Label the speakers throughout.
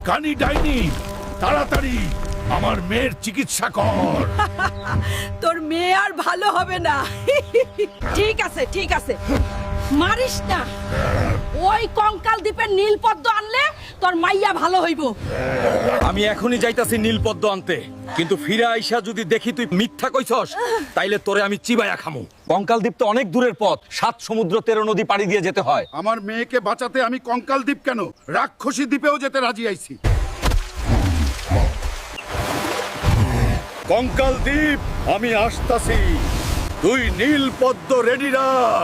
Speaker 1: কানি ডাইনি, তাড়াতাড়ি আমার মেয়ের চিকিৎসা কর।
Speaker 2: তোর মেয়ে আর ভালো হবে না। ঠিক আছে ঠিক আছে, মারিস না। ওই কঙ্কাল দ্বীপের নীলপদ্ম আনলে তোর মাইয়া ভালো হইব।
Speaker 3: আমি এখনই যাইতাছি নীলপদ্ম আনতে, কিন্তু ফিরে আইসা যদি দেখি তুই মিথ্যা কইছস তাইলে তোরে আমি চিবাইয়া খামু। কঙ্কাল দ্বীপ তো অনেক দূরের পথ, 7 সমুদ্র 13 নদী পাড়ি দিয়ে যেতে হয়।
Speaker 1: আমার মেয়েকে বাঁচাতে আমি কঙ্কাল দ্বীপ কেন, রাক্ষসী দ্বীপেও যেতে রাজি আইছি। কঙ্কাল দ্বীপ, আমি আসতাছি। তুই নীলপদ্ম রেডি রাখ।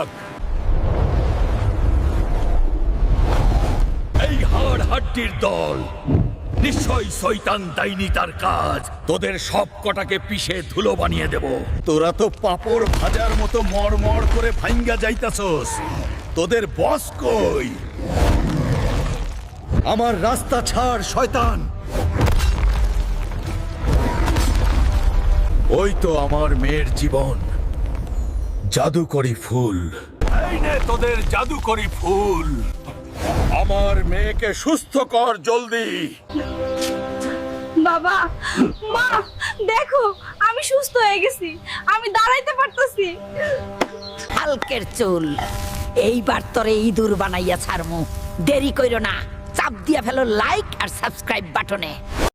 Speaker 1: এই হাড় হাড্ডির দল, নিশ্চয়ই শয়তান ডাইনি তার কাজ। তোদের সব কটাকে পিষে ধুলো বানিয়ে দেব। তোরা তো পাপড় ভাজার মতো মড়মড় করে ভাঙ্গা যাইতাছস। তোদের বস কই? আমার রাস্তা ছাড় শয়তান। ওই তো আমার মেয়ের জীবন, জাদুকরি ফুল। এই নে তোদের জাদুকরি ফুল। আমার মেয়েকে সুস্থ কর জলদি।
Speaker 4: বাবা, মা, দেখো আমি সুস্থ হয়ে গেছি, আমি দাঁড়াইতে পারতেছি।
Speaker 2: হালকের চুল, এইবার তোরে ইঁদুর বানাইয়া ছাড়মু। দেরি কইরো না, চাপ দিয়া ফেলো লাইক আর সাবস্ক্রাইব বাটনে।